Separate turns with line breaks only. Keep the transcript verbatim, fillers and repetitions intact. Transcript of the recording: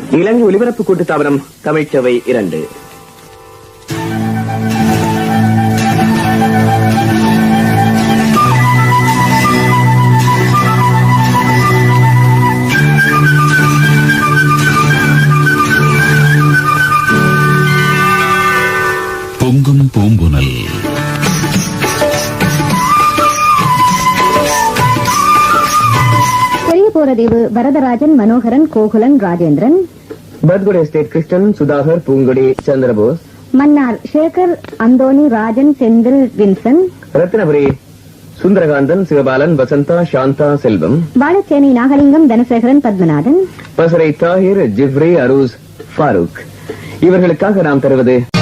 இலங்கை ஒலிபரப்பு கூட்டுத்தாபனம் தமிழ்ச்சவை இரண்டு.
பொங்கும் பூங்குனல்.
பெரியபோரதேவு வரதராஜன், மனோகரன், கோகுலன், ராஜேந்திரன்.
பத்குடி estate Krishnan, Sudhakar, Poonkudi, Chandrabose.
Mannar Sekar, Anthony, Rajan, Senthil, Vinson.
Ratnapuri Sundarakanthan, Sivabalan, Vasantha, Santha, Selvam.
Valaichenai Nagalingam, Thanasekaran, Pathmanathan.
Passara Thahir, Jifri, Aroos, Farook. இவர்களுக்காக நாம் தருவது